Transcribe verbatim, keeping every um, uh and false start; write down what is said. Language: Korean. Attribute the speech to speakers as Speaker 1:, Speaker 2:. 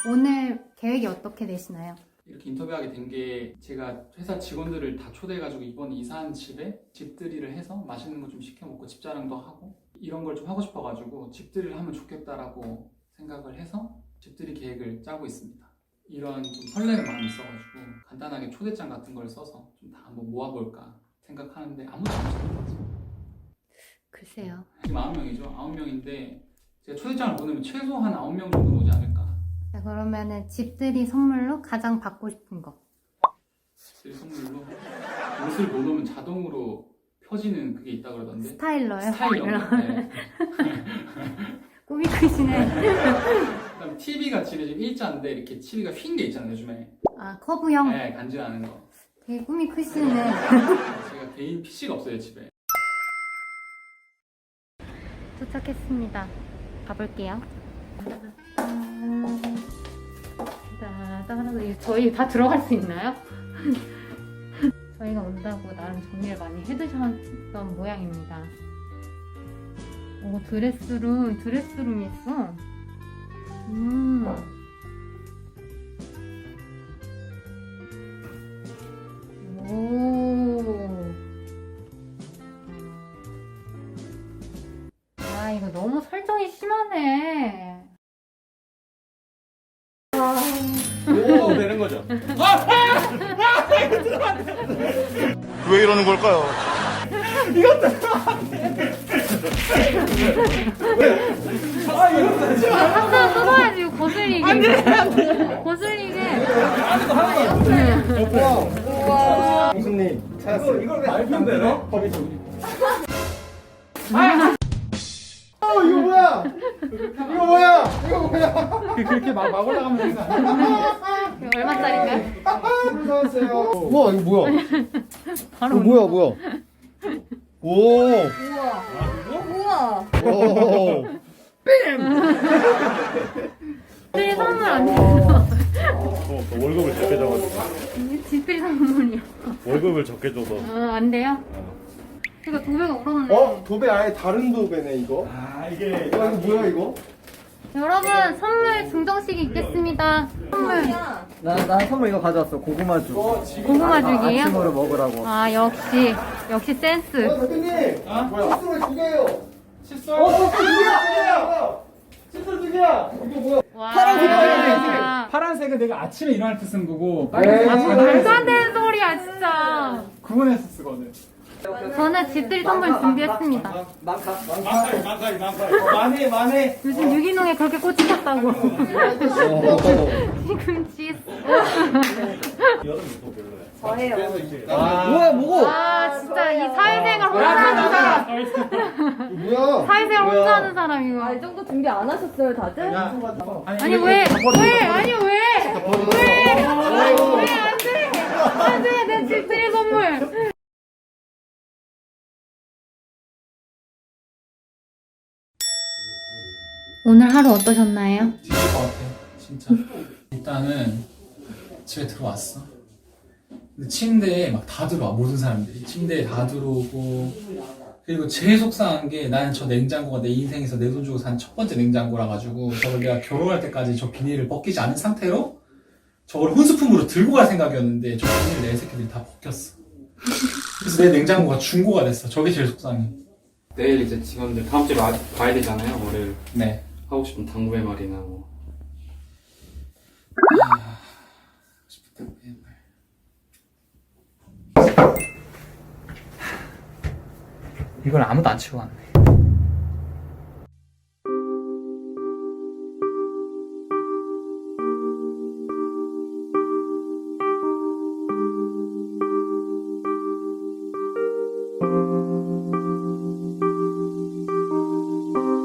Speaker 1: 오늘 계획이 어떻게 되시나요?
Speaker 2: 이렇게 인터뷰하게 된 게 제가 회사 직원들을 다 초대해가지고 이번 이사한 집에 집들이를 해서 맛있는 거 좀 시켜 먹고 집자랑도 하고 이런 걸 좀 하고 싶어가지고 집들이를 하면 좋겠다라고 생각을 해서 집들이 계획을 짜고 있습니다. 이런 좀 설레는 마음이 있어가지고 간단하게 초대장 같은 걸 써서 좀 다 한번 모아볼까 생각하는데 아무도 안 오시더라고요.
Speaker 1: 글쎄요.
Speaker 2: 지금 아홉 명이죠. 아홉 명인데 제가 초대장을 보내면 최소한 아홉 명 정도 오지 않을까.
Speaker 1: 자, 그러면은 집들이 선물로 가장 받고 싶은 거.
Speaker 2: 집들이 선물로 옷을 못 오면 자동으로 펴지는 그게 있다 그러던데.
Speaker 1: 스타일러요?
Speaker 2: 스타일러. 네.
Speaker 1: 꿈이 크시네.
Speaker 2: 그다음 티비가 집에 지금 일자인데 이렇게 티비가 휜 게 있잖아요 요즘에.
Speaker 1: 아, 커브형?
Speaker 2: 네, 간지나는 거.
Speaker 1: 되게 꿈이 크시네.
Speaker 2: 제가 개인 피씨가 없어요 집에.
Speaker 1: 도착했습니다. 가볼게요. 저희 다 들어갈 수 있나요? 저희가 온다고 나름 정리를 많이 해두셨던 모양입니다. 오, 드레스룸, 드레스룸이 있어. 음. 오. 아, 이거 너무 설정이 심하네.
Speaker 2: 오 되는 거죠.
Speaker 3: 왜 이러는 걸까요?
Speaker 1: 항상 뜯어야지, 이거 거슬리게. 안 돼, 안 돼. 거슬리게.
Speaker 4: 우와. 교수님 찾았어요.
Speaker 2: 이걸 왜 알면 되나? 법이 좀.
Speaker 4: 어 이거 뭐야? 이거 뭐야? 이거 뭐야?
Speaker 2: 그렇게 막, 막 올라가면 되는 거 아니야?
Speaker 1: 이거 얼마짜리인가요?
Speaker 4: 물 사왔어요. 우와 이거 뭐야?
Speaker 1: 바로
Speaker 4: 이거 뭐야 뭐야? 오.
Speaker 1: 우와.
Speaker 4: 오.
Speaker 1: 집들이 선물 아니에요?
Speaker 3: 어, 너 월급을 적게 줘가지고
Speaker 1: 집들이 선물이요.
Speaker 3: 월급을 적게 줘서
Speaker 1: 어, 안 돼요? 이거 도배가 울었네.
Speaker 4: 어 도배 아예 다른 도배네 이거.
Speaker 3: 아 이게
Speaker 4: 이거 이거 뭐야 이거?
Speaker 1: 여러분, 선물 증정식이 있겠습니다. 선물.
Speaker 5: 나, 나 선물 이거 가져왔어. 고구마죽.
Speaker 1: 고구마 죽이에요?
Speaker 5: 아침으로 먹으라고.
Speaker 1: 아, 역시. 역시 센스.
Speaker 4: 어 대표님.
Speaker 2: 아?
Speaker 4: 뭐야? 칫솔 두 개요.
Speaker 2: 칫솔.
Speaker 4: 어 칫솔 두 개야. 칫솔 두 개야. 이거 뭐야?
Speaker 1: 와.
Speaker 2: 파란색은, 파란색은 내가 아침에 일어날 때 쓰는 거고
Speaker 4: 에이.
Speaker 2: 빨간색은
Speaker 1: 아, 말도
Speaker 2: 자다가
Speaker 1: 안 되는 소리야, 진짜.
Speaker 2: 구분해서 쓰거든.
Speaker 1: 저는 집들이 선물 준비했습니다.
Speaker 5: 망카.
Speaker 2: 만사이 만사이 만사이. 만해 만해.
Speaker 1: 요즘 유기농에 그렇게 꽂히셨다고.
Speaker 4: 어.
Speaker 1: 시금치.
Speaker 3: 여름이 또 별로야.
Speaker 5: 저예요.
Speaker 2: 아.
Speaker 5: 뭐야, 뭐고?
Speaker 1: 아, 진짜 이 사회생활 혼자 하는 사람.
Speaker 4: 뭐야?
Speaker 1: 사회생활 혼자 하는 사람,
Speaker 6: 아,
Speaker 1: 이거.
Speaker 6: 이 정도 준비 안 하셨어요, 다들?
Speaker 1: 아니, 왜? 왜? 아니, 왜? 왜? 왜? 안 돼! 안 돼! 내 집들이 선물! 오늘 하루 어떠셨나요?
Speaker 2: 뒤질 것 같아 진짜. 일단은 집에 들어왔어. 근데 침대에 막 다 들어와 모든 사람들이 침대에 다 들어오고. 그리고 제일 속상한 게 나는 저 냉장고가 내 인생에서 내 돈 주고 산 첫 번째 냉장고라 가지고 저걸 내가 결혼할 때까지 저 비닐을 벗기지 않은 상태로 저걸 혼수품으로 들고 갈 생각이었는데 저 비닐을 내 새끼들이 다 벗겼어. 그래서 내 냉장고가 중고가 됐어. 저게 제일 속상해.
Speaker 7: 내일 이제 직원들 다음 주에 마, 가야 되잖아요. 월요일
Speaker 2: 네.
Speaker 7: 하고 싶은 당구의 말이나 뭐.
Speaker 2: 아, 싶은 말. 이걸 아무도 안 치고 왔네.